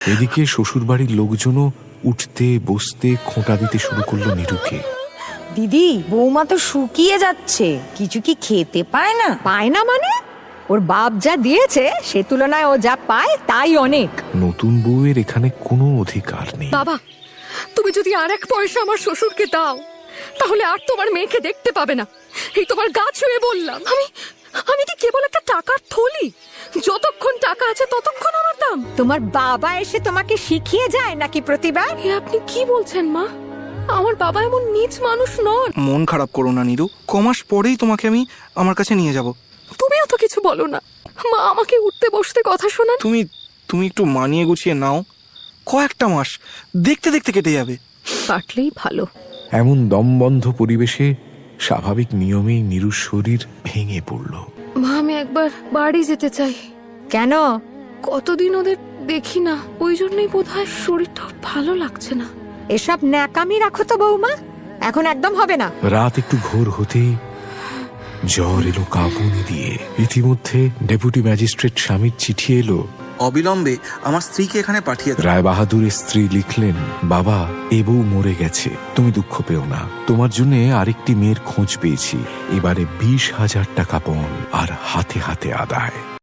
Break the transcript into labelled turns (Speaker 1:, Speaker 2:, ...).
Speaker 1: এদিকে শ্বশুরবাড়ির লোকজনও উঠতে বসতে খোঁটা দিতে শুরু করলো নীরুকে।
Speaker 2: দিদি, বৌমা তো শুকিয়ে যাচ্ছে, কিছু কি খেতে পায় না?
Speaker 3: পায় না মানে? ওর বাপ যা দিয়েছে সে তুলনায় ও যা পায় তাই অনেক।
Speaker 1: নতুন বউয়ের এখানে কোনো অধিকার নেই।
Speaker 4: বাবা, তুমি যদি আর এক পয়সা আমার শ্বশুরকে দাও তাহলে আর তোমার মেয়েকে দেখতে পাবে না। এই তোমার গা ছুঁয়ে বললাম। আমি কি কেবল একটা টাকার থলি? যতক্ষণ টাকা আছে ততক্ষণ আমার দাম।
Speaker 3: তোমার বাবা এসে তোমাকে শিখিয়ে যায় নাকি প্রতিবার?
Speaker 4: এ আপনি কি বলছেন মা? আমার বাবা এমন নীচ মানুষ নন।
Speaker 5: মন খারাপ করো না নীরু, কমাস পরেই তোমাকে আমি আমার কাছে নিয়ে যাব।
Speaker 4: তুমিও তো কিছু বলো না মা, আমাকে উঠতে বসতে কথা শোনান।
Speaker 5: তুমি একটু মানিয়ে গুছিয়ে নাও, কয়েকটা মাস দেখতে দেখতে কেটে যাবে।
Speaker 4: কাটলেই ভালো।
Speaker 1: এমন দমবন্ধ পরিবেশে স্বাভাবিক নিয়মেই নীরুর শরীর ভেঙে পড়ল।
Speaker 4: মা, আমি একবার বাড়ি যেতে চাই।
Speaker 3: কেন?
Speaker 4: কতদিন ওদের দেখি না, ওই জন্যই বোধহয় শরীরটা ভালো লাগছে না।
Speaker 3: এসব ন্যাকামি রাখো তো বৌমা, এখন একদম হবে না।
Speaker 1: রাত একটু ঘোর হতেই জ্বর এলো কাঁপুনি দিয়ে। ইতিমধ্যে ডেপুটি ম্যাজিস্ট্রেট স্বামীর চিঠি এলো।
Speaker 5: অবিলম্বে আমার স্ত্রীকে এখানে পাঠিয়ে দাও।
Speaker 1: রায় বাহাদুরের স্ত্রী লিখলেন, বাবা, এ বউ মরে গেছে, তুমি দুঃখ পেও না। তোমার জন্য আরেকটি মেয়ের খোঁজ পেয়েছি। এবারে 20,000 টাকা পণ আর হাতে হাতে আদায়।